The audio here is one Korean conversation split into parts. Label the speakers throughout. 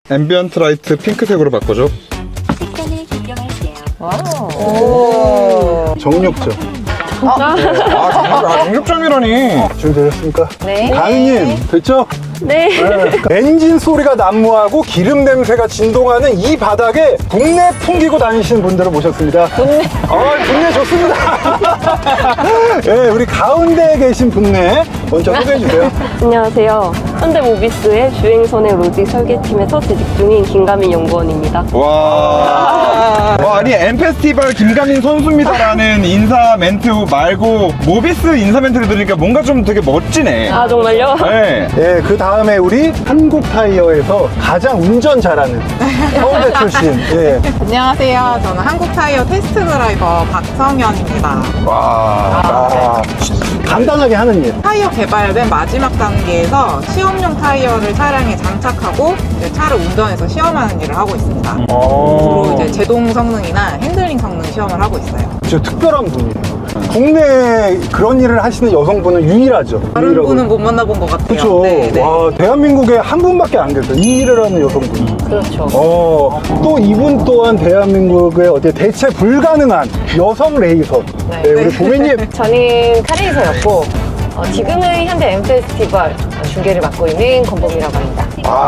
Speaker 1: 앰비언트 라이트 핑크색으로 바꿔줘.
Speaker 2: 색감을 변경할게요.
Speaker 3: 오.
Speaker 4: 정육점.
Speaker 1: 정육점이라니.
Speaker 4: 준비되셨습니까?
Speaker 3: 네.
Speaker 4: 가은님, 됐죠?
Speaker 3: 네.
Speaker 4: 엔진 소리가 난무하고 기름 냄새가 진동하는 이 바닥에 국내 풍기고 다니시는 분들을 모셨습니다.
Speaker 3: 좋네.
Speaker 4: 분내 좋습니다. 네, 우리 가운데에 계신 분내 먼저 소개해 주세요.
Speaker 3: 안녕하세요. 현대모비스의 주행선행 로직 설계팀에서 재직 중인 김가민 연구원입니다.
Speaker 1: 와, 아니 엠페스티벌 김가민 선수입니다라는 인사 멘트 말고 모비스 인사 멘트를 들으니까 뭔가 좀 되게 멋지네.
Speaker 3: 아, 정말요?
Speaker 1: 네.
Speaker 4: 네, 그 다음에 우리 한국타이어에서 가장 운전 잘하는 서울대 출신. 예.
Speaker 5: 안녕하세요. 저는 한국타이어 테스트 드라이버 박성현입니다.
Speaker 1: 와.
Speaker 4: 간단하게 하는 일.
Speaker 5: 타이어 개발된 마지막 단계에서 시험용 타이어를 차량에 장착하고 이제 차를 운전해서 시험하는 일을 하고 있습니다. 주로 이제 제동 성능이나 핸들링 성능 시험을 하고 있어요.
Speaker 4: 진짜 특별한 분이에요. 국내에 그런 일을 하시는 여성분은 유일하죠.
Speaker 5: 다른 분은 못 만나본 것 같아요.
Speaker 4: 그렇죠.
Speaker 5: 네, 네.
Speaker 4: 와, 대한민국에 한 분밖에 안 계세요. 이 일을 하는 여성분.
Speaker 3: 그렇죠.
Speaker 4: 또 이분 또한 대한민국의 어떻게 대체 불가능한 여성 레이서.
Speaker 3: 네.
Speaker 4: 네, 우리 보미님.
Speaker 6: 저는 카레이서였고 지금은 현대 엠페스티벌 중계를 맡고 있는 권범이라고 합니다.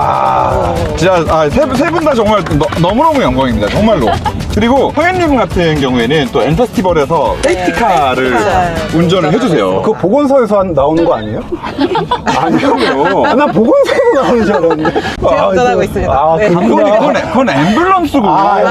Speaker 1: 진짜 세 분 다 정말 너무너무 영광입니다. 정말로. 그리고 성현님 같은 경우에는 또 엠페스티벌에서 세이프티카를 운전을 해주세요.
Speaker 4: 그 보건소에서 나오는 거 아니에요?
Speaker 1: 아니요.
Speaker 4: 난 보건소에서 나오는 줄 알았는데.
Speaker 5: 제가 운전하고 있습니다.
Speaker 4: 아,
Speaker 5: 네.
Speaker 1: 그건 앰뷸런스고.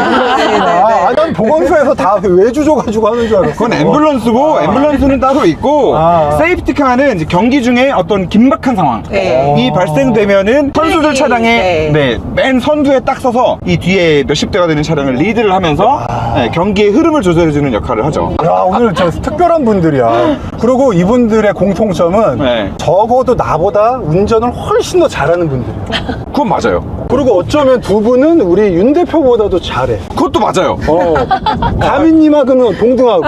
Speaker 4: 난 보건소에서 다 외주줘가지고 하는 줄 알았어.
Speaker 1: 그건 앰뷸런스고 앰뷸런스는 따로 있고 세이프티카는 이제 경기 중에 어떤 긴박한 상황이
Speaker 5: 네.
Speaker 1: 발생되면은 선수들 차량에 맨 선두에 딱 서서 이 뒤에 몇십 대가 되는 차량을 리드를 하면서 경기의 흐름을 조절해주는 역할을 하죠.
Speaker 4: 야, 오늘 저 특별한 분들이야. 그리고 이분들의 공통점은
Speaker 1: 네.
Speaker 4: 적어도 나보다 운전을 훨씬 더 잘하는 분들이에요.
Speaker 1: 그건 맞아요.
Speaker 4: 그리고 어쩌면 두 분은 우리 윤 대표보다도 잘해.
Speaker 1: 그것도 맞아요.
Speaker 4: 가민님하고는 동등하고.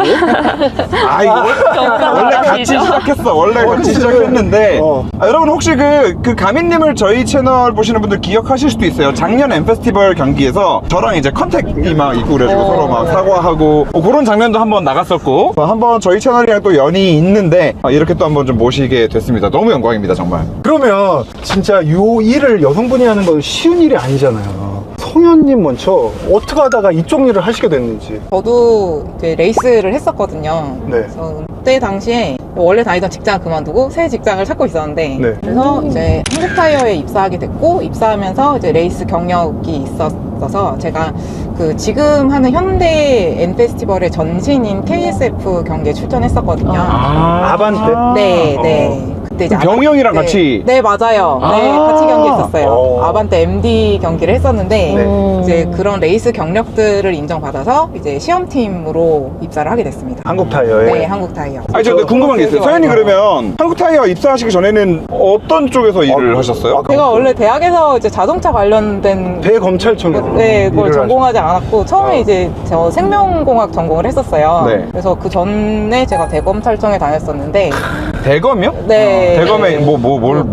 Speaker 1: 원래 같이 시작했어. 원래 같이 시작했는데 여러분 혹시 그 가민님을 저희 채널 보시는 분들 기억하실 수도 있어요. 작년 엠페스티벌 경기에서 저랑 이제 컨택이 막 있고 그래가지고 서로 막 사과하고 그런 장면도 한번 나갔었고 한번 저희 채널이랑 또 연이 있는데 이렇게 또 한번 좀 모시게 됐습니다. 너무 영광입니다 정말.
Speaker 4: 그러면 진짜 요 일을 여성분이 하는 건 쉬운 일이 아니잖아요. 성현님 먼저 어떻게 하다가 이쪽 일을 하시게 됐는지.
Speaker 5: 저도 이제 레이스를 했었거든요.
Speaker 4: 네.
Speaker 5: 그래서 그때 당시에 원래 다니던 직장 그만두고 새 직장을 찾고 있었는데
Speaker 4: 네.
Speaker 5: 그래서 이제 한국타이어에 입사하게 됐고 입사하면서 이제 레이스 경력이 있었어서 제가 그 지금 하는 현대 엠페스티벌의 전신인 KSF 경기에 출전했었거든요.
Speaker 4: 아반떼?
Speaker 5: 네, 네. 그때 이제
Speaker 1: 병이 형이랑 같이?
Speaker 5: 네, 맞아요. 네, 같이 경기했었어요. 아반떼 MD 경기를 했었는데 이제 그런 레이스 경력들을 인정받아서 이제 시험팀으로 입사를 하게 됐습니다.
Speaker 4: 한국타이어에?
Speaker 5: 네, 한국타이어.
Speaker 1: 아니 저 근데 궁금한 게 있어요. 서현이 그러면 한국타이어 입사하시기 전에는 어떤 쪽에서 일을 하셨어요?
Speaker 5: 제가 원래 대학에서 이제 자동차 관련된
Speaker 4: 대검찰청에서
Speaker 5: 네, 그걸
Speaker 4: 일을
Speaker 5: 전공하지 않았고 처음에 이제 저 생명공학 전공을 했었어요.
Speaker 1: 네.
Speaker 5: 그래서 그 전에 제가 대검찰청에 다녔었는데
Speaker 1: 대검이요?
Speaker 5: 네.
Speaker 1: 대검에 뭘로요?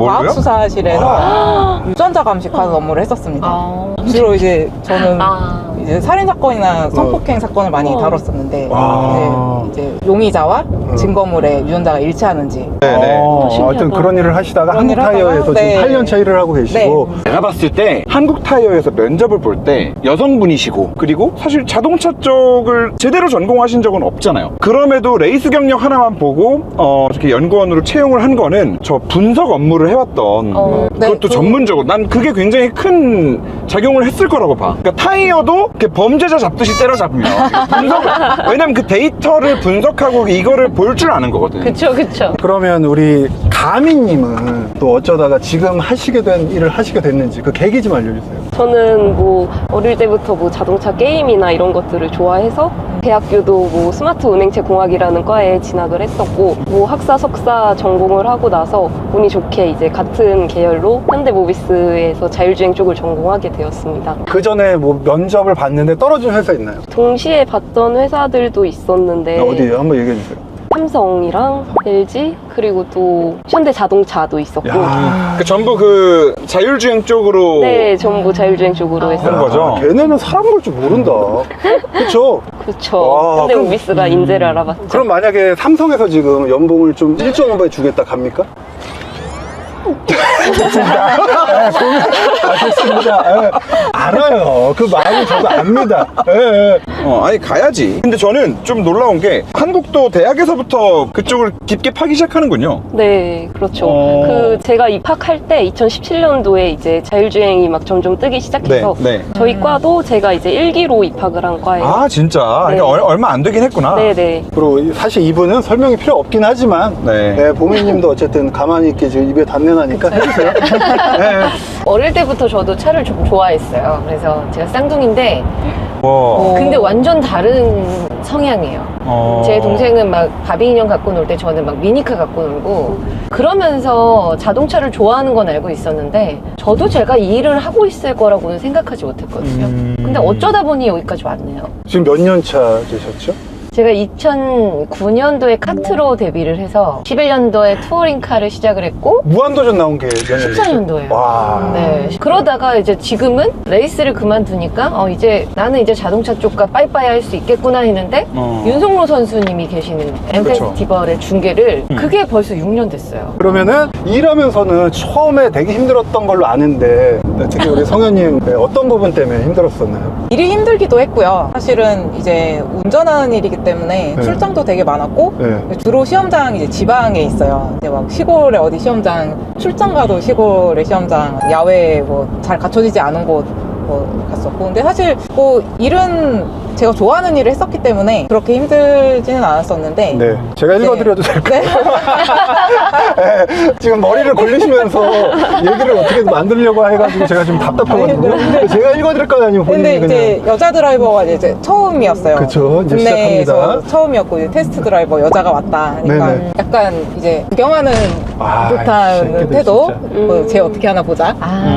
Speaker 5: 과학수사실에서 유전자 감식하는 업무를 했었습니다. 주로 이제 저는 이제 살인 사건이나 성폭행 사건을 많이 다뤘었는데 이제 용의자와 증거물에 유전자가 일치하는지.
Speaker 4: 하여튼 그런 일을 하시다가
Speaker 5: 그런 일을
Speaker 4: 한국타이어에서
Speaker 5: 하다가,
Speaker 4: 지금
Speaker 5: 네.
Speaker 4: 8년차 일을 하고 계시고
Speaker 1: 내가 봤을 때 한국타이어에서 면접을 볼 때 여성분이시고 그리고 사실 자동차 쪽을 제대로 전공하신 적은 없잖아요. 그럼에도 레이스 경력 하나만 보고 이렇게 연구원으로 채용을 한 거는 저 분석 업무를 해왔던 그것도 전문적으로 난 그게 굉장히 큰 작용을 했을 거라고 봐. 그러니까 타이어도 이렇게 범죄자 잡듯이 때려잡으면 왜냐면 그 데이터를 분석하고 이거를 볼 줄 아는 거거든.
Speaker 6: 그쵸.
Speaker 4: 그러면 우리 가민님은 또 어쩌다가 지금 하시게 된 일을 하시게 됐는지 그 계기 좀 알려주세요.
Speaker 3: 저는 뭐 어릴 때부터 뭐 자동차 게임이나 이런 것들을 좋아해서 대학교도 뭐 스마트 운행체 공학이라는 과에 진학을 했었고 뭐 학사 석사 전공을 하고 나서 운이 좋게 이제 같은 계열로 현대모비스에서 자율주행 쪽을 전공하게 되었습니다.
Speaker 4: 그 전에 뭐 면접을 봤는데 떨어진 회사 있나요?
Speaker 3: 동시에 봤던 회사들도 있었는데
Speaker 4: 어디에요? 한번 얘기해 주세요.
Speaker 3: 삼성이랑 LG 그리고 또 현대 자동차도 있었고
Speaker 1: 그 전부 그 자율주행 쪽으로
Speaker 3: 네 전부 자율주행 쪽으로
Speaker 1: 한
Speaker 3: 했어요.
Speaker 1: 거죠.
Speaker 4: 걔네는 사람 볼 줄 모른다. 그렇죠?
Speaker 3: 그렇죠.
Speaker 4: 와,
Speaker 3: 현대
Speaker 4: 그럼-
Speaker 3: 모비스가 인재를 알아봤죠.
Speaker 4: 그럼 만약에 삼성에서 지금 연봉을 좀 1조 원에 주겠다 갑니까? 알겠습니다. 예. 알아요. 그 마음은 저도 압니다. 예, 예.
Speaker 1: 아니 가야지. 근데 저는 좀 놀라운 게 한국도 대학에서부터 그쪽을 깊게 파기 시작하는군요.
Speaker 3: 네, 그렇죠. 그 제가 입학할 때 2017년도에 이제 자율주행이 막 점점 뜨기 시작해서
Speaker 1: 네.
Speaker 3: 저희 과도 제가 이제 1기로 입학을 한 과예요.
Speaker 1: 아 진짜. 그러니까
Speaker 3: 네.
Speaker 1: 얼마 안 되긴 했구나.
Speaker 3: 네네.
Speaker 4: 그리고 사실 이분은 설명이 필요 없긴 하지만
Speaker 1: 네.
Speaker 4: 예, 보미님도 어쨌든 가만히 있게 지금 입에 담내 나니까 해주세요. 예.
Speaker 6: 어릴 때부터 저도 차를 좀 좋아했어요. 그래서 제가 쌍둥이인데
Speaker 1: 와.
Speaker 6: 근데 완전 다른 성향이에요. 제 동생은 막 바비 인형 갖고 놀 때 저는 막 미니카 갖고 놀고 그러면서 자동차를 좋아하는 건 알고 있었는데 저도 제가 이 일을 하고 있을 거라고는 생각하지 못했거든요. 근데 어쩌다 보니 여기까지 왔네요.
Speaker 4: 지금 몇 년 차 되셨죠?
Speaker 6: 제가 2009년도에 카트로 데뷔를 해서 11년도에 투어링카를 시작을 했고
Speaker 4: 무한도전 나온 게 몇 년?
Speaker 6: 14년도예요.
Speaker 4: 와.
Speaker 6: 네. 그러다가 이제 지금은 레이스를 그만두니까 이제 나는 이제 자동차 쪽과 빠이빠이 할 수 있겠구나 했는데 윤석로 선수님이 계시는 엠페스티벌의 중계를 그게 벌써 6년 됐어요.
Speaker 4: 그러면은 일하면서는 처음에 되게 힘들었던 걸로 아는데 특히 우리 성현님 어떤 부분 때문에 힘들었었나요?
Speaker 5: 일이 힘들기도 했고요. 사실은 이제 운전하는 일이기 때문에
Speaker 4: 네.
Speaker 5: 출장도 되게 많았고
Speaker 4: 네.
Speaker 5: 주로 시험장 이제 지방에 있어요. 이제 막 시골에 어디 시험장 출장 가도 시골의 시험장 야외에 뭐 잘 갖춰지지 않은 곳 뭐 갔었고 근데 사실 뭐 일은 제가 좋아하는 일을 했었기 때문에 그렇게 힘들지는 않았었는데
Speaker 4: 네. 제가 읽어드려도 될까요?
Speaker 5: 네.
Speaker 4: 네. 지금 머리를 굴리시면서 얘기를 어떻게 만들려고 해가지고 제가 지금 답답하거든요. 제가 읽어드릴까요? 아니면 본인이
Speaker 5: 근데
Speaker 4: 그냥.
Speaker 5: 이제 여자 드라이버가 이제 처음이었어요.
Speaker 4: 그쵸, 이제
Speaker 5: 국내에서
Speaker 4: 시작합니다.
Speaker 5: 처음이었고 이제 테스트 드라이버 여자가 왔다 하니까
Speaker 4: 네네.
Speaker 5: 약간 이제 구경하는
Speaker 4: 아, 이
Speaker 5: 듯한
Speaker 4: 새끼들
Speaker 5: 태도.
Speaker 4: 진짜.
Speaker 5: 뭐 쟤 어떻게 하나 보자.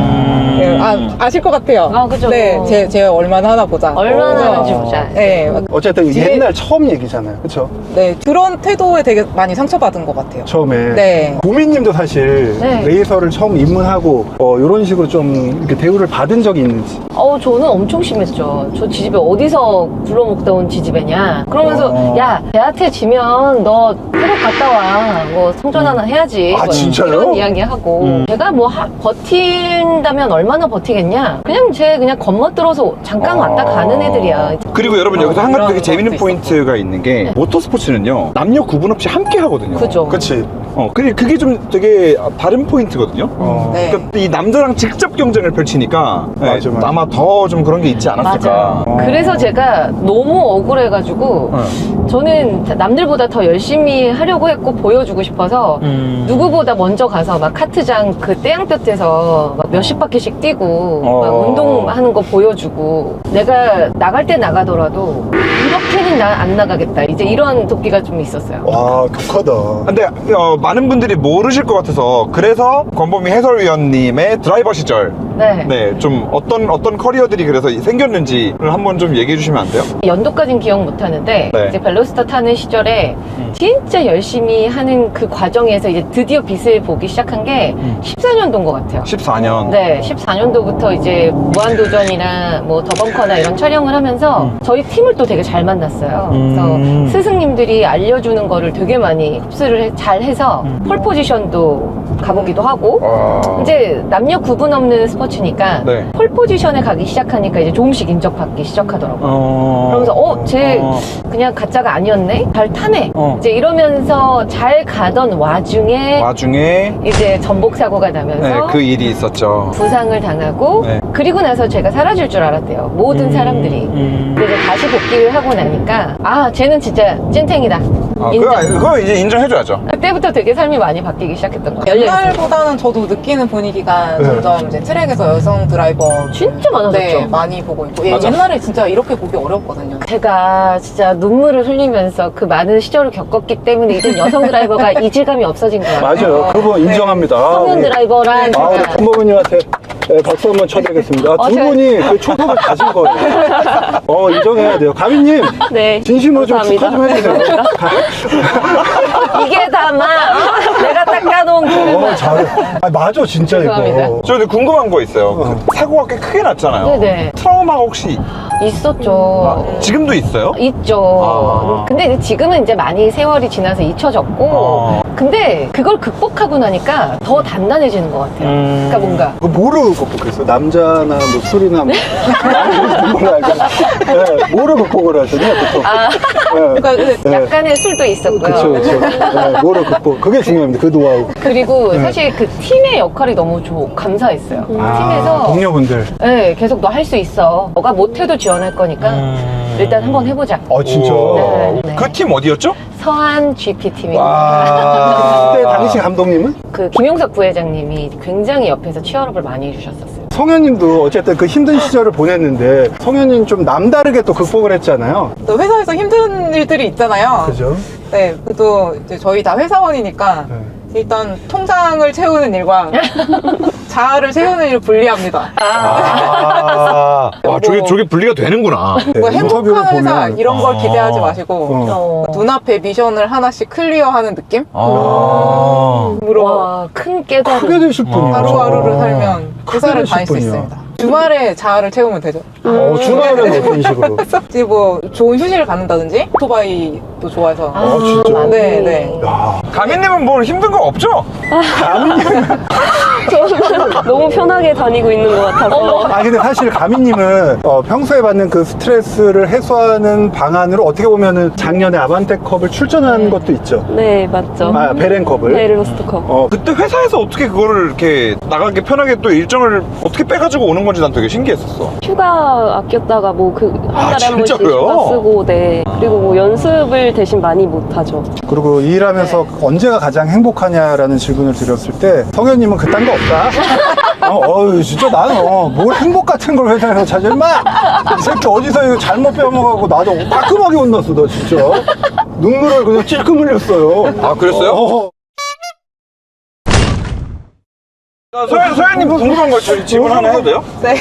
Speaker 5: 네, 아실 것 같아요.
Speaker 6: 아, 그죠.
Speaker 5: 네, 쟤 얼마나 하나 보자.
Speaker 6: 얼마나 하는지 보자.
Speaker 5: 네,
Speaker 4: 어쨌든 이게
Speaker 5: 뒤에-
Speaker 4: 옛날 처음 얘기잖아요. 그쵸?
Speaker 5: 네 그런 태도에 되게 많이 상처받은 것 같아요.
Speaker 4: 처음에.
Speaker 5: 네.
Speaker 4: 보미님도 사실
Speaker 6: 네.
Speaker 4: 레이서를 처음 입문하고 이런 식으로 좀 이렇게 대우를 받은 적이 있는지.
Speaker 6: 저는 엄청 심했죠. 저 지집애 어디서 굴러먹다 온 지집애냐. 그러면서 야, 대한테 지면 너 태국 갔다 와. 뭐 성전 하나 해야지.
Speaker 4: 아,
Speaker 6: 뭐
Speaker 4: 진짜요?
Speaker 6: 이런 이야기하고 제가 뭐 버틴다면 얼마나 버티겠냐. 그냥 그냥 겉멋들어서 잠깐 왔다 가는 애들이야.
Speaker 1: 그리고 여러분 여기서 한 가지
Speaker 6: 그런
Speaker 1: 되게 재밌는
Speaker 6: 것도
Speaker 1: 포인트가 있는 게 모터스포츠는요 남녀 구분 없이 함께 하거든요.
Speaker 6: 그죠.
Speaker 4: 그치?
Speaker 1: 그게 좀 되게 다른 포인트거든요.
Speaker 5: 네.
Speaker 1: 그러니까 이 남자랑 직접 경쟁을 펼치니까
Speaker 4: 맞아, 맞아.
Speaker 1: 아마 더 좀 그런 게 있지 않았을까.
Speaker 6: 맞아요. 그래서 제가 너무 억울해가지고 저는 남들보다 더 열심히 하려고 했고 보여주고 싶어서 누구보다 먼저 가서 막 카트장 그 떼양볕에서 막 몇십 바퀴씩 뛰고 막 운동하는 거 보여주고 내가 나갈 때 나가더라도 이렇게는 나 안 나가겠다 이제 이런 도끼가 좀 있었어요.
Speaker 4: 와, 독하다.
Speaker 1: 근데 많은 분들이 모르실 것 같아서 그래서 권보미 해설위원님의 드라이버 시절
Speaker 6: 네.
Speaker 1: 좀 어떤 커리어들이 그래서 생겼는지를 한번 좀 얘기해 주시면 안 돼요?
Speaker 6: 연도까진 기억 못 하는데
Speaker 1: 네.
Speaker 6: 이제 벨로스터 타는 시절에 진짜 열심히 하는 그 과정에서 이제 드디어 빛을 보기 시작한 게 14년도인 것 같아요.
Speaker 1: 14년.
Speaker 6: 네, 14년도부터 이제 무한도전이나 뭐 더벙커나 이런 촬영을 하면서 저희 팀을 또 되게 잘 만났어요. 그래서 스승님들이 알려주는 거를 되게 많이 흡수를 잘 해서 폴 포지션도 가보기도 하고 이제 남녀 구분 없는 스포츠니까
Speaker 1: 네.
Speaker 6: 폴 포지션에 가기 시작하니까 이제 조금씩 인정받기 시작하더라고요. 그러면서 쟤 그냥 가짜가 아니었네? 잘 타네? 이제 이러면서 잘 가던 와중에 이제 전복 사고가 나면서
Speaker 1: 네, 그 일이 있었죠.
Speaker 6: 부상을 당하고
Speaker 1: 네.
Speaker 6: 그리고 나서 제가 사라질 줄 알았대요. 모든 사람들이. 그래서 다시 복귀를 하고 나니까 쟤는 진짜 찐탱이다. 인정.
Speaker 1: 그거 이제 인정해줘야죠.
Speaker 6: 그때부터 되게 삶이 많이 바뀌기 시작했던 것 같아요.
Speaker 5: 옛날보다는 저도 느끼는 분위기가
Speaker 4: 네.
Speaker 5: 점점 이제 트랙에서 여성 드라이버
Speaker 6: 진짜 많아졌죠.
Speaker 5: 네, 많이 보고 있고
Speaker 1: 맞아.
Speaker 5: 옛날에 진짜 이렇게 보기 어려웠거든요.
Speaker 6: 제가 진짜 눈물을 흘리면서 그 많은 시절을 겪었기 때문에 이제 여성 드라이버가 이질감이 없어진 거예요.
Speaker 4: 맞아요. 그 부분 인정합니다.
Speaker 6: 성현 드라이버란
Speaker 4: 우리
Speaker 6: 진짜
Speaker 4: 권보미님한테 네, 박수 한번 쳐드리겠습니다. 두
Speaker 6: 제가-
Speaker 4: 분이 그 초석을 가진 거예요. 인정해야 돼요. 가미님,
Speaker 3: 네.
Speaker 4: 진심으로 좀
Speaker 3: 감사합니다.
Speaker 4: 축하 좀 해주세요.
Speaker 6: 이게 다마 내가 닦아놓은 그릇.
Speaker 4: 잘해. 맞아, 진짜
Speaker 6: 죄송합니다.
Speaker 4: 이거.
Speaker 1: 저 근데 궁금한 거 있어요. 그 사고가 꽤 크게 났잖아요.
Speaker 6: 네네.
Speaker 1: 트라우마가 혹시
Speaker 6: 있었죠.
Speaker 1: 지금도 있어요?
Speaker 6: 있죠.
Speaker 1: 아.
Speaker 6: 근데 이제 지금은 이제 많이 세월이 지나서 잊혀졌고, 근데 그걸 극복하고 나니까 더 단단해지는 것 같아요. 그러니까 뭔가
Speaker 4: 그거 뭐로 극복했어? 남자나 뭐 술이나 뭐. 몰라, 네, 뭐로 극복을 하시냐, 보통. 네.
Speaker 5: 그러니까 근데
Speaker 6: 약간의 술도 있었고요.
Speaker 4: 그쵸, 그쵸. 네, 뭐로 극복. 그게 중요합니다. 그 노하우.
Speaker 6: 그리고 사실 그 팀의 역할이 너무 감사했어요. 팀에서
Speaker 4: 동료분들.
Speaker 6: 네, 계속 너 할 수 있어. 너가 못해도 지원할 거니까 일단 한번 해보자.
Speaker 4: 진짜.
Speaker 6: 네, 네.
Speaker 1: 그 팀 어디였죠?
Speaker 6: 서한 GP 팀입니다.
Speaker 1: 와.
Speaker 4: 그때 당시 감독님은?
Speaker 6: 그 김용석 부회장님이 굉장히 옆에서 치열업을 많이 해주셨었어요.
Speaker 4: 성현님도 어쨌든 그 힘든 시절을 보냈는데 성현님 좀 남다르게 또 극복을 했잖아요.
Speaker 5: 또 회사에서 힘든 일들이 있잖아요.
Speaker 4: 그죠?
Speaker 5: 네, 또 이제 저희 다 회사원이니까
Speaker 4: 네.
Speaker 5: 일단 통장을 채우는 일과 자아를 채우는 일을 분리합니다.
Speaker 1: 와, 저게 분리가 되는구나.
Speaker 4: 네,
Speaker 5: 뭐
Speaker 4: 인터뷰를
Speaker 5: 행복한 회사
Speaker 4: 보면
Speaker 5: 이런 걸 기대하지 마시고
Speaker 4: 어.
Speaker 5: 눈앞에 미션을 하나씩 클리어하는 느낌?
Speaker 1: 아.
Speaker 5: 으로
Speaker 6: 와, 큰 깨달음.
Speaker 4: 크게 되실 분이요.
Speaker 5: 하루하루를 살면 회사를
Speaker 4: 되실
Speaker 5: 다닐 수
Speaker 4: 분이요.
Speaker 5: 있습니다. 주말에 자아를 채우면 되죠.
Speaker 4: 주말은 어떤 식으로?
Speaker 5: 이제 뭐 좋은 휴식을 갖는다든지 오토바이도 좋아해서
Speaker 4: 진짜?
Speaker 5: 네, 네.
Speaker 4: 야,
Speaker 1: 가민님은 뭘 힘든 거 없죠?
Speaker 3: 너무 편하게 다니고 있는 것 같아서.
Speaker 4: 근데 사실 가미님은 평소에 받는 그 스트레스를 해소하는 방안으로 어떻게 보면은 작년에 아반떼컵을 출전한 것도 있죠.
Speaker 3: 네, 맞죠.
Speaker 4: 베렌컵을.
Speaker 3: 네, 로스트컵.
Speaker 1: 그때 회사에서 어떻게 그거를 이렇게 나가기 편하게 또 일정을 어떻게 빼가지고 오는 건지 난 되게 신기했었어.
Speaker 3: 휴가 아꼈다가 뭐 한 달에 한 번씩
Speaker 1: 진짜로요?
Speaker 3: 휴가 쓰고, 네. 그리고 뭐 연습을 대신 많이 못 하죠.
Speaker 4: 그리고 이 일하면서 언제가 가장 행복하냐라는 질문을 드렸을 때 성현님은 그딴 거 없다. 진짜 나는 뭘 행복 같은 걸 회사에서 찾아 임마. 이 새끼 어디서 이거 잘못 빼먹어갖고 나도 따끔하게 혼났어 너 진짜. 눈물을 그냥 찔끔 흘렸어요.
Speaker 1: 아, 그랬어요? 소연님 궁금한 거 질문 하나 해도 돼요?
Speaker 5: 네.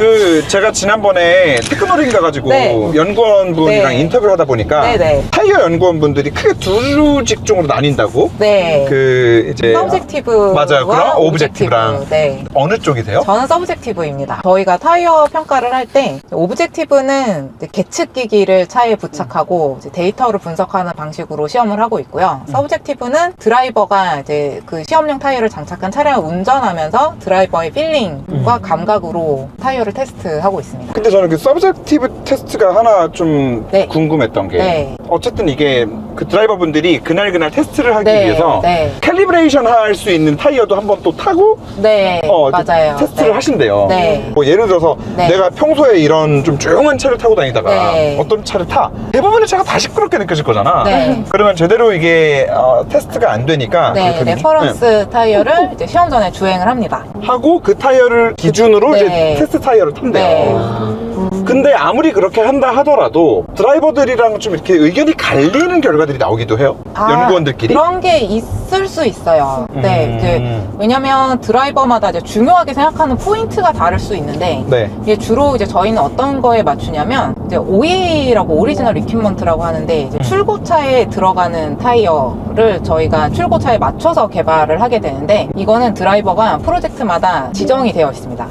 Speaker 1: 제가 지난번에 테크노링 가가지고
Speaker 5: 네.
Speaker 1: 연구원분이랑
Speaker 5: 네.
Speaker 1: 인터뷰를 하다 보니까
Speaker 5: 네, 네.
Speaker 1: 타이어 연구원분들이 크게 두 직종으로 나뉜다고?
Speaker 5: 네.
Speaker 1: 이제
Speaker 5: 서브젝티브
Speaker 1: 맞아요. 그럼 오브젝티브랑.
Speaker 5: 네.
Speaker 1: 어느 쪽이세요?
Speaker 5: 저는 서브젝티브입니다. 저희가 타이어 평가를 할 때 오브젝티브는 이제 계측기기를 차에 부착하고 이제 데이터를 분석하는 방식으로 시험을 하고 있고요. 서브젝티브는 드라이버가 이제 그 시험용 타이어를 장착한 차량을 운전하면서 드라이버의 필링과 감각으로 타이어를 테스트하고 있습니다.
Speaker 1: 근데 저는 그 서브젝티브 테스트가 하나 좀
Speaker 5: 네.
Speaker 1: 궁금했던 게
Speaker 5: 네.
Speaker 1: 어쨌든 이게 그 드라이버분들이 그날 테스트를 하기
Speaker 5: 네,
Speaker 1: 위해서
Speaker 5: 네.
Speaker 1: 캘리브레이션 할 수 있는 타이어도 한번 또 타고
Speaker 5: 네, 맞아요.
Speaker 1: 테스트를
Speaker 5: 네.
Speaker 1: 하신대요.
Speaker 5: 네.
Speaker 1: 뭐 예를 들어서
Speaker 5: 네.
Speaker 1: 내가 평소에 이런 좀 조용한 차를 타고 다니다가
Speaker 5: 네.
Speaker 1: 어떤 차를 타 대부분의 차가 다 시끄럽게 느껴질 거잖아.
Speaker 5: 네.
Speaker 1: 그러면 제대로 이게 테스트가 안 되니까
Speaker 5: 네,
Speaker 1: 그렇게
Speaker 5: 레퍼런스 타이어를 이제 시험 전에 주행을 합니다.
Speaker 1: 하고 그 타이어를 기준으로
Speaker 5: 네.
Speaker 1: 이제 테스트 타이어를 탄대요.
Speaker 5: 네.
Speaker 1: 근데 아무리 그렇게 한다 하더라도 드라이버들이랑 좀 이렇게 의견이 갈리는 결과들이 나오기도 해요. 연구원들끼리.
Speaker 5: 그런 게 있을 수 있어요. 네, 이제 왜냐면 드라이버마다 이제 중요하게 생각하는 포인트가 다를 수 있는데
Speaker 1: 네.
Speaker 5: 이게 주로 이제 저희는 어떤 거에 맞추냐면 이제 OE라고 오리지널 리퀴먼트라고 하는데 이제 출고차에 들어가는 타이어를 저희가 출고차에 맞춰서 개발을 하게 되는데 이거는 드라이버가 프로젝트마다 지정이 되어 있습니다.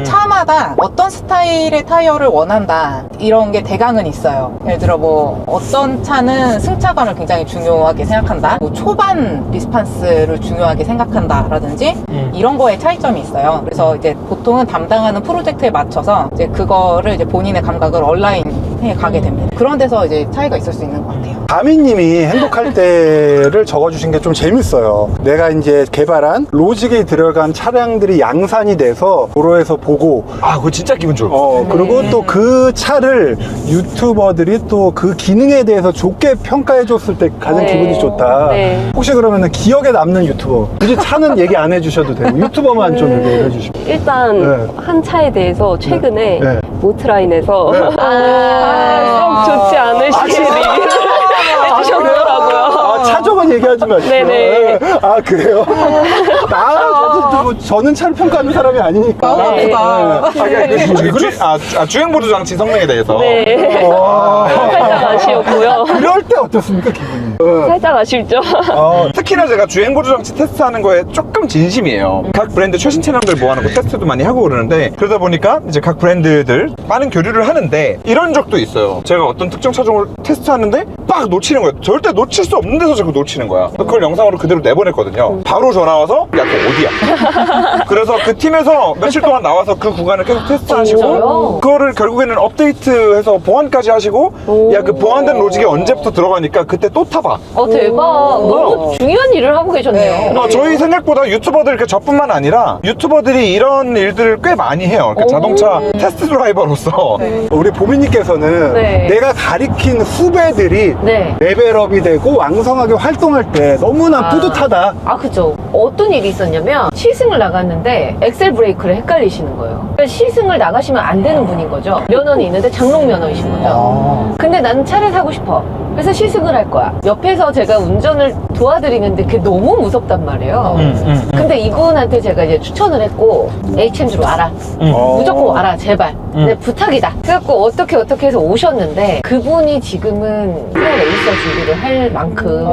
Speaker 5: 차마다 어떤 스타일의 타이어를 원한다 이런 게 대강은 있어요. 예를 들어 뭐 어떤 차는 승차감을 굉장히 중요하게 생각한다, 뭐 초반 리스판스를 중요하게 생각한다 라든지 이런 거에 차이점이 있어요. 그래서 이제 보통은 담당하는 프로젝트에 맞춰서 이제 그거를 이제 본인의 감각을 온라인에 가게 됩니다. 그런 데서 이제 차이가 있을 수 있는 것 같아요.
Speaker 4: 가미님이 행복할 때를 적어주신 게 좀 재밌어요. 내가 이제 개발한 로직에 들어간 차량들이 양산이 돼서 도로에서 보고
Speaker 1: 그거 진짜 기분 좋을 것 같아요.
Speaker 4: 그리고 또 그 차를 유튜버들이 또 그 기능에 대해서 좋게 평가해줬을 때 가장
Speaker 3: 네.
Speaker 4: 기분이 좋다.
Speaker 3: 네.
Speaker 4: 혹시 그러면 기억에 남는 유튜버, 굳이 차는 얘기 안 해주셔도 되고 유튜버만 좀 얘기해 주시면.
Speaker 3: 일단
Speaker 4: 네.
Speaker 3: 한 차에 대해서 최근에
Speaker 4: 네.
Speaker 3: 모트라인에서 썩 좋지 않으시게 리뷰를 해주셨더라고요.
Speaker 4: 사정은 얘기하지 마시고.
Speaker 3: 네네.
Speaker 4: 아, 그래요? 저는 차를 평가하는 사람이 아니니까.
Speaker 5: 너무
Speaker 3: 네.
Speaker 5: 아프다.
Speaker 1: 주행보조 장치 성능에 대해서.
Speaker 3: 네. 살짝 아쉬웠고요.
Speaker 4: 그럴 때 어떻습니까, 기분이?
Speaker 3: 살짝 아쉽죠.
Speaker 1: 특히나 제가 주행보조 장치 테스트하는 거에 조금 진심이에요. 각 브랜드 최신 차량들 모아놓고 테스트도 많이 하고 그러는데, 그러다 보니까 이제 각 브랜드들 많은 교류를 하는데 이런 적도 있어요. 제가 어떤 특정 차종을 테스트하는데 막 놓치는 거예요. 절대 놓칠 수 없는 데서 자꾸 놓치는 거야. 그걸 영상으로 그대로 내보냈거든요. 바로 전화 와서 야, 그거 어디야? 그래서 그 팀에서 며칠 동안 나와서 그 구간을 계속 테스트하시고,
Speaker 3: 진짜요?
Speaker 1: 그거를 결국에는 업데이트해서 보완까지 하시고, 야, 그 보완된 로직이 언제부터 들어가니까 그때 또 타봐.
Speaker 6: 대박. 너무 중요한 일을 하고 계셨네요.
Speaker 1: 저희 생각보다 유튜버들 저뿐만 아니라 유튜버들이 이런 일들을 꽤 많이 해요. 그러니까 자동차 테스트 드라이버로서.
Speaker 4: 우리 보미님께서는
Speaker 3: 네.
Speaker 4: 내가 가리킨 후배들이
Speaker 6: 네.
Speaker 4: 레벨업이 되고 왕성하게 활동할 때 너무나 뿌듯하다.
Speaker 6: 아, 그죠. 어떤 일이 있었냐면 시승을 나갔는데 엑셀 브레이크를 헷갈리시는 거예요. 그러니까 시승을 나가시면 안 되는 분인 거죠. 면허는 있는데 장롱 면허이신 거죠. 근데 나는 차를 사고 싶어. 그래서 시승을 할 거야. 옆에서 제가 운전을 도와드리는데 그게 너무 무섭단 말이에요. 근데 이분한테 제가 이제 추천을 했고, HMG로 와라. 무조건 와라, 제발. 내 부탁이다. 그래갖고 어떻게 해서 오셨는데, 그분이 지금은 프로 레이서 준비를 할 만큼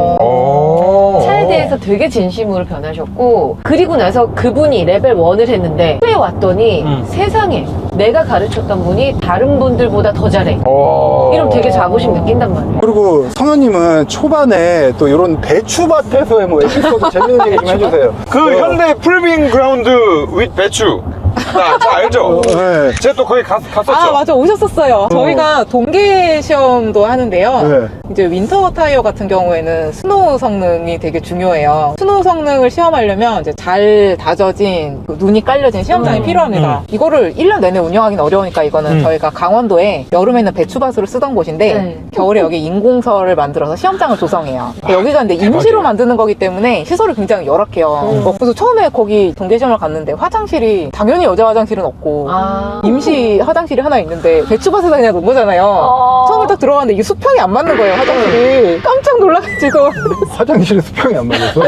Speaker 6: 차에 대해서 되게 진심으로 변하셨고, 그리고 나서 그분이 레벨 1을 했는데 후에 왔더니 세상에 내가 가르쳤던 분이 다른 분들보다 더 잘해. 이러면 되게 자부심 느낀단 말이에요.
Speaker 4: 그리고 성현님은 초반에 또 이런 배추밭에서의 뭐 에피소드 재밌는 얘기 좀 해주세요.
Speaker 1: 그 현대 풀빙 그라운드 윗 배추. 다 알죠?
Speaker 4: 네.
Speaker 1: 제가 또 거기 갔었죠.
Speaker 5: 아, 맞아. 오셨었어요. 저희가 동계 시험도 하는데요.
Speaker 4: 네.
Speaker 5: 이제 윈터 타이어 같은 경우에는 스노우 성능이 되게 중요해요. 스노우 성능을 시험하려면 이제 잘 다져진 그 눈이 깔려진 시험장이 필요합니다. 이거를 1년 내내 운영하기는 어려우니까 이거는 저희가 강원도에 여름에는 배추밭으로 쓰던 곳인데
Speaker 6: 네.
Speaker 5: 겨울에 여기 인공설을 만들어서 시험장을 조성해요. 여기가 근데 임시로 만드는 거기 때문에 시설이 굉장히 열악해요. 그래서 처음에 거기 동계 시험을 갔는데 화장실이 당연히 여자 화장실은 없고 임시 화장실이 하나 있는데 배추밭에다 그냥 놓은 거잖아요. 처음에 딱 들어갔는데 이게 수평이 안 맞는 거예요, 화장실이. 깜짝 놀라가지고.
Speaker 4: 화장실에 수평이 안 맞아서.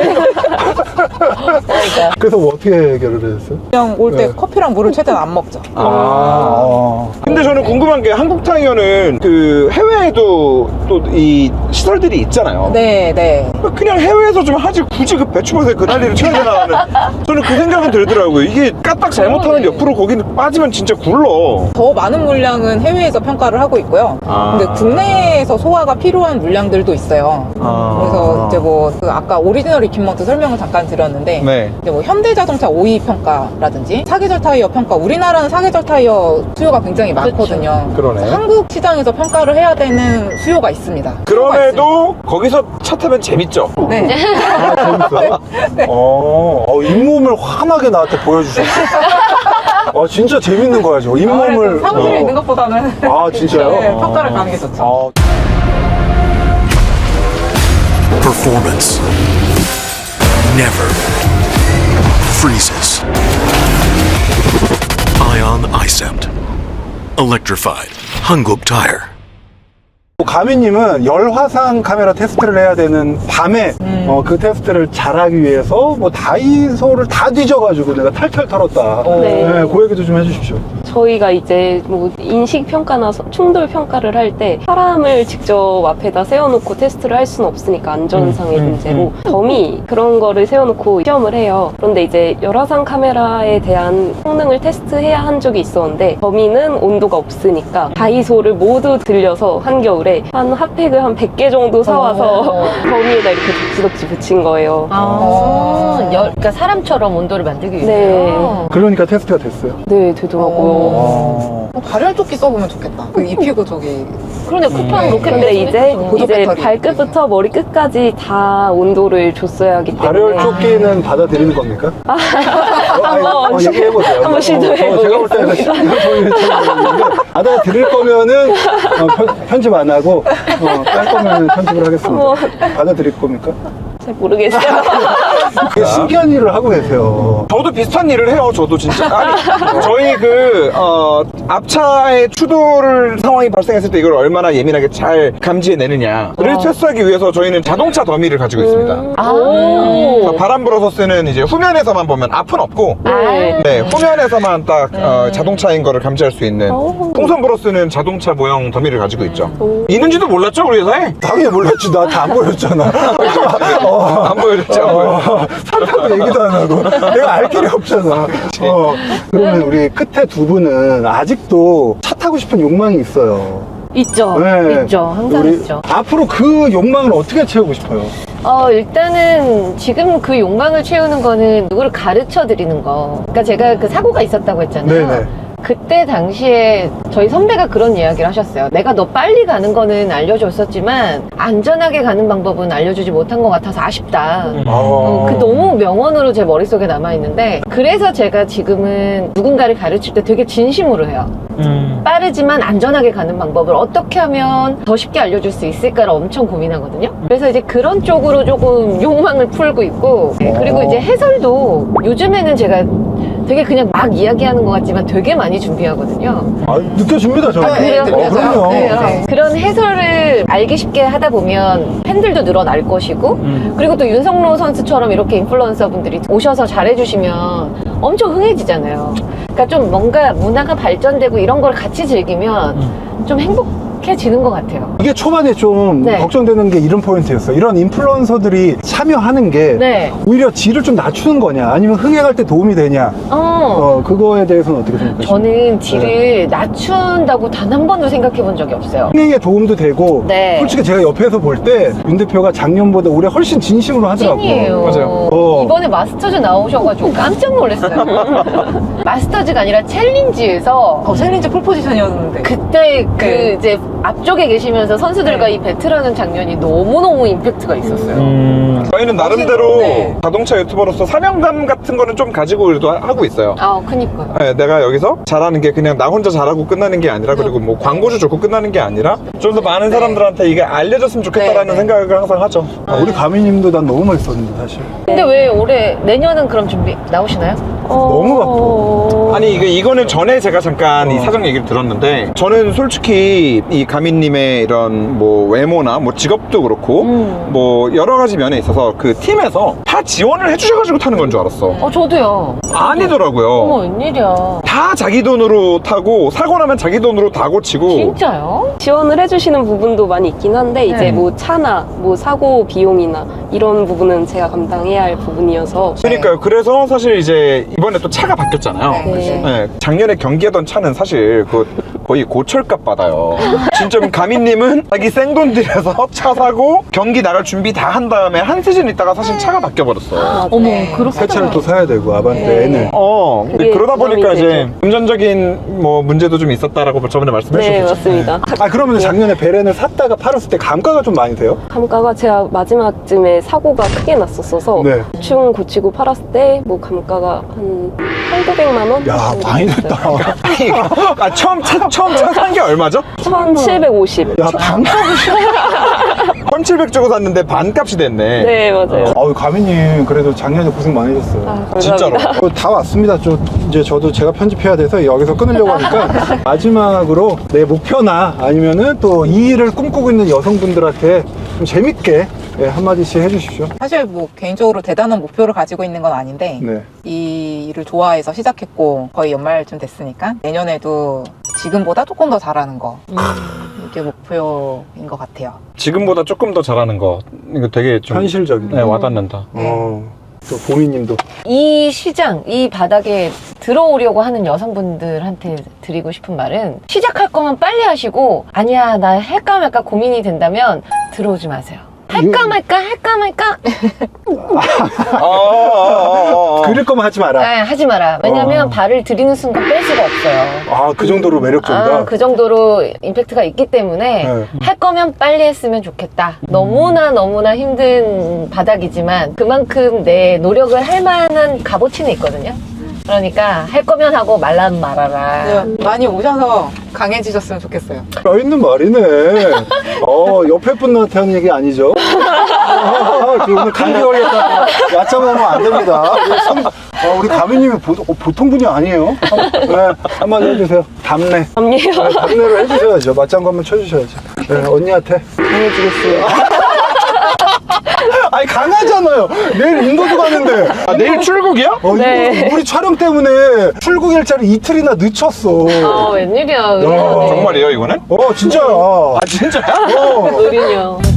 Speaker 5: 그러니까
Speaker 4: 그래서 뭐 어떻게 해결을 했어요?
Speaker 5: 그냥 올 때
Speaker 4: 네.
Speaker 5: 커피랑 물을 최대한 안 먹죠.
Speaker 1: 근데 저는 궁금한 게 한국 타이어는 그 해외에도 또 이 시설들이 있잖아요.
Speaker 5: 네.
Speaker 1: 그냥 해외에서 좀 하지 굳이 그 배추밭에 그 난리를 쳐야 되나 하는 저는 그 생각은 들더라고요. 이게 까딱 잘못하면 옆으로 거기는 빠지면 진짜 굴러.
Speaker 5: 더 많은 물량은 해외에서 평가를 하고 있고요. 근데 국내에서 소화가 필요한 물량들도 있어요. 그래서 이제 그 아까 오리지널 이퀴먼트 설명을 잠깐 드렸는데
Speaker 1: 네.
Speaker 5: 이제 뭐 현대자동차 OE 평가라든지 사계절 타이어 평가, 우리나라는 사계절 타이어 수요가 굉장히 많거든요.
Speaker 1: 그러네.
Speaker 5: 한국 시장에서 평가를 해야 되는 수요가 있습니다.
Speaker 1: 그럼에도 거기서 차 타면 재밌죠.
Speaker 5: 네.
Speaker 4: 아, 재밌어요? 잇몸을 환하게 나한테 보여주셨어. 진짜 재밌는 거야, 저. 잇몸을.
Speaker 5: 사무실에 있는 것보다는
Speaker 4: 아, 진짜요?
Speaker 5: 네, 평가를 가는 게 좋죠.
Speaker 7: Performance never freezes. Ion iCept. Electrified. Hanguk Tire.
Speaker 4: 가미님은 열화상 카메라 테스트를 해야 되는 밤에 그 테스트를 잘하기 위해서 뭐 다이소를 다 뒤져가지고 내가 탈탈 털었다.
Speaker 3: 네.
Speaker 4: 그 얘기도 좀 해주십시오.
Speaker 3: 저희가 이제 뭐 인식 평가나 충돌 평가를 할 때 사람을 직접 앞에다 세워놓고 테스트를 할 수는 없으니까 안전상의 문제로 더미 그런 거를 세워놓고 시험을 해요. 그런데 이제 열화상 카메라에 대한 성능을 테스트해야 한 적이 있었는데 더미는 온도가 없으니까 다이소를 모두 들려서 한겨울에 한 핫팩을 한 100개 정도 사와서 더미에다 이렇게 덕지덕지 붙인 거예요.
Speaker 6: 그러니까 사람처럼 온도를 만들기 위해서.
Speaker 3: 네.
Speaker 4: 그러니까 테스트가 됐어요.
Speaker 3: 네, 되더라고요.
Speaker 5: 발열조끼 써보면 좋겠다. 그 입히고 저기.
Speaker 6: 그러네, 쿠팡 로켓
Speaker 3: 근데 이제
Speaker 5: 보조 배터리.
Speaker 3: 발끝부터 머리 끝까지 다 온도를 줬어야 하기 때문에
Speaker 4: 발열 조끼는 받아들이는 겁니까?
Speaker 3: 한번
Speaker 4: 얘기해보세요.
Speaker 3: 한번 시도해보겠습니다.
Speaker 4: 제가 볼 때는 받아들일 거면은 편집 안 하고 뺄 거면 편집을 하겠습니다. 받아들일 겁니까?
Speaker 3: 잘 모르겠어요.
Speaker 4: 되게 신기한 일을 하고 계세요.
Speaker 1: 저도 비슷한 일을 해요. 저도 진짜. 아니, 저희 앞차의 추돌 상황이 발생했을 때 이걸 얼마나 예민하게 잘 감지해내느냐를 테스트하기 위해서 저희는 자동차 더미를 가지고 있습니다. 그래서 바람 불어서 쓰는 이제 후면에서만 보면 앞은 없고, 네, 후면에서만 딱 자동차인 거를 감지할 수 있는 풍선 불어 쓰는 자동차 모형 더미를 가지고 있죠. 있는지도 몰랐죠, 우리 회사에?
Speaker 4: 당연히 몰랐지. 나 다 안 보였잖아.
Speaker 1: 안 보여줬죠.
Speaker 4: 산다고 얘기도 안 하고. 내가 알 길이 없잖아. 그러면 우리 끝에 두 분은 아직도 차 타고 싶은 욕망이 있어요.
Speaker 6: 있죠.
Speaker 4: 네.
Speaker 6: 있죠. 항상
Speaker 4: 우리
Speaker 6: 있죠.
Speaker 4: 앞으로 그 욕망을 어떻게 채우고 싶어요?
Speaker 6: 일단은 지금 그 욕망을 채우는 거는 누구를 가르쳐 드리는 거. 그러니까 제가 그 사고가 있었다고 했잖아요.
Speaker 4: 네네.
Speaker 6: 그때 당시에 저희 선배가 그런 이야기를 하셨어요. 내가 너 빨리 가는 거는 알려줬었지만 안전하게 가는 방법은 알려주지 못한 것 같아서 아쉽다. 그 너무 명언으로 제 머릿속에 남아있는데, 그래서 제가 지금은 누군가를 가르칠 때 되게 진심으로 해요. 빠르지만 안전하게 가는 방법을 어떻게 하면 더 쉽게 알려줄 수 있을까를 엄청 고민하거든요. 그래서 이제 그런 쪽으로 조금 욕망을 풀고 있고, 그리고 이제 해설도 요즘에는 제가 되게 그냥 막 이야기하는 것 같지만 되게 많이 준비하거든요.
Speaker 4: 느껴집니다, 저는.
Speaker 6: 그래요?
Speaker 4: 그럼요.
Speaker 6: 네. 그런 해설을 알기 쉽게 하다 보면 팬들도 늘어날 것이고, 그리고 또 윤석로 선수처럼 이렇게 인플루언서 분들이 오셔서 잘해주시면 엄청 흥해지잖아요. 그러니까 좀 뭔가 문화가 발전되고 이런 걸 같이 즐기면 좀 행복해지는 것 같아요.
Speaker 4: 이게 초반에 좀
Speaker 6: 네.
Speaker 4: 걱정되는 게 이런 포인트였어요. 이런 인플루언서들이 참여하는 게
Speaker 6: 네.
Speaker 4: 오히려 질을 좀 낮추는 거냐, 아니면 흥행할 때 도움이 되냐, 그거에 대해서는 어떻게 생각하십니까?
Speaker 6: 저는 질을 낮춘다고 단 한 번도 생각해 본 적이 없어요.
Speaker 4: 흥행에 도움도 되고,
Speaker 6: 네.
Speaker 4: 솔직히 제가 옆에서 볼 때 윤 대표가 작년보다 올해 훨씬 진심으로 하더라고요.
Speaker 6: 찐이에요.
Speaker 1: 맞아요.
Speaker 6: 이번에 마스터즈 나오셔가지고 깜짝 놀랐어요. 마스터즈가 아니라 챌린지에서
Speaker 5: 챌린지 폴포지션이었는데.
Speaker 6: 그때 그
Speaker 5: 네.
Speaker 6: 이제 앞쪽에 계시면서 선수들과 이 배틀하는 장면이 너무너무 임팩트가 있었어요.
Speaker 1: 저희는 나름대로
Speaker 5: 네.
Speaker 1: 자동차 유튜버로서 사명감 같은 거는 좀 가지고 그래도 하고 있어요.
Speaker 6: 그니까요.
Speaker 1: 네, 내가 여기서 잘하는 게 그냥 나 혼자 잘하고 끝나는 게 아니라, 그리고 뭐 광고주 좋고 끝나는 게 아니라 좀 더 많은 사람들한테 이게 알려졌으면 좋겠다라는
Speaker 5: 네.
Speaker 1: 생각을 항상 하죠.
Speaker 4: 우리 가미님도 난 너무 멋있었는데, 사실.
Speaker 6: 근데 왜 올해 내년은 그럼 준비 나오시나요?
Speaker 4: 너무 바빠.
Speaker 1: 아니 이거는 전에 제가 잠깐 이 사정 얘기를 들었는데, 저는 솔직히 이 가민님의 이런 뭐 외모나 뭐 직업도 그렇고 뭐 여러 가지 면에 있어서 그 팀에서 다 지원을 해주셔가지고 타는 건 줄 알았어.
Speaker 6: 저도요.
Speaker 1: 아니더라고요.
Speaker 6: 어머, 웬일이야.
Speaker 1: 다 자기 돈으로 타고, 사고 나면 자기 돈으로 다 고치고.
Speaker 6: 진짜요?
Speaker 3: 지원을 해주시는 부분도 많이 있긴 한데, 이제 뭐 차나 뭐 사고 비용이나 이런 부분은 제가 감당해야 할 부분이어서.
Speaker 1: 그러니까요. 그래서 사실 이제 이번에 또 차가 바뀌었잖아요.
Speaker 3: 네.
Speaker 1: 네, 작년에 경기하던 차는 사실 거의 고철값 받아요. 진짜 가민님은 자기 생돈 들여서 차 사고 경기 나갈 준비 다 한 다음에 한 시즌 있다가 사실 차가 바뀌어버렸어.
Speaker 6: 어머, 그렇게.
Speaker 4: 새 차를 또 사야 되고, 아반떼 N을.
Speaker 1: 근데
Speaker 3: 그게
Speaker 1: 그러다 보니까
Speaker 3: 부담이
Speaker 1: 이제
Speaker 3: 되죠.
Speaker 1: 금전적인 뭐 문제도 좀 있었다라고 저번에 말씀해
Speaker 3: 네,
Speaker 1: 주셨죠.
Speaker 3: 맞습니다.
Speaker 4: 그러면 작년에 베렌을 샀다가 팔았을 때 감가가 좀 많이 돼요?
Speaker 3: 감가가 제가 마지막쯤에 사고가 크게 났었어서
Speaker 4: 네.
Speaker 3: 대충 고치고 팔았을 때 뭐 감가가 한 1,900만 원?
Speaker 4: 야,
Speaker 3: 정도
Speaker 4: 많이
Speaker 3: 됐어요.
Speaker 4: 됐다.
Speaker 1: 처음 차 산 게 얼마죠?
Speaker 3: 1,750.
Speaker 4: 야, 방
Speaker 1: 1,700 주고 샀는데 반값이 됐네.
Speaker 3: 네, 맞아요.
Speaker 4: 가미님, 그래도 작년에 고생 많으셨어요.
Speaker 3: 감사합니다.
Speaker 1: 진짜로.
Speaker 4: 다 왔습니다. 저도 제가 편집해야 돼서 여기서 끊으려고 하니까 마지막으로 내 목표나 아니면은 또 이 일을 꿈꾸고 있는 여성분들한테 좀 재밌게 한마디씩 해주십시오.
Speaker 5: 사실 뭐 개인적으로 대단한 목표를 가지고 있는 건 아닌데
Speaker 4: 네.
Speaker 5: 이 일을 좋아해서 시작했고 거의 연말쯤 됐으니까 내년에도 지금보다 조금 더 잘하는 거 이게 목표인 것 같아요.
Speaker 1: 지금보다 조금 더 잘하는 거, 이거 되게 좀
Speaker 4: 현실적이네.
Speaker 1: 네, 와닿는다.
Speaker 4: 또 보미님도.
Speaker 6: 이 시장, 이 바닥에 들어오려고 하는 여성분들한테 드리고 싶은 말은, 시작할 거면 빨리 하시고, 아니야, 나 할까 말까 고민이 된다면 들어오지 마세요. 할까 말까.
Speaker 4: 그릴 거면 하지 마라.
Speaker 6: 하지 마라. 왜냐면 발을 들이는 순간 뺄 수가 없어요.
Speaker 4: 그 정도로 매력적이다.
Speaker 6: 그 정도로 임팩트가 있기 때문에
Speaker 4: 네.
Speaker 6: 할 거면 빨리 했으면 좋겠다. 너무나 힘든 바닥이지만 그만큼 내 노력을 할 만한 값어치는 있거든요. 그러니까 할 거면 하고 말라면 말아라.
Speaker 5: 네, 많이 오셔서 강해지셨으면 좋겠어요.
Speaker 4: 있는 말이네. 옆에 분한테 하는 얘기 아니죠? 오늘 감기 걸렸다. 야참하면 안 됩니다. 우리 가미님이 보통 분이 아니에요. 네, 한번 해주세요. 답례.
Speaker 3: 답례요?
Speaker 4: 네, 답례를 해주셔야죠. 맞장구 한번 쳐주셔야죠. 네, 언니한테.
Speaker 3: 강해지겠습니다.
Speaker 4: 아니, 강하잖아요. 내일 인도도 가는데.
Speaker 1: 내일 출국이야?
Speaker 3: 네.
Speaker 4: 우리 촬영 때문에 출국 일자를 이틀이나 늦췄어.
Speaker 6: 웬일이야.
Speaker 1: 정말이에요, 이거는?
Speaker 4: 진짜야.
Speaker 1: 진짜야?
Speaker 4: 어.
Speaker 3: 노린요.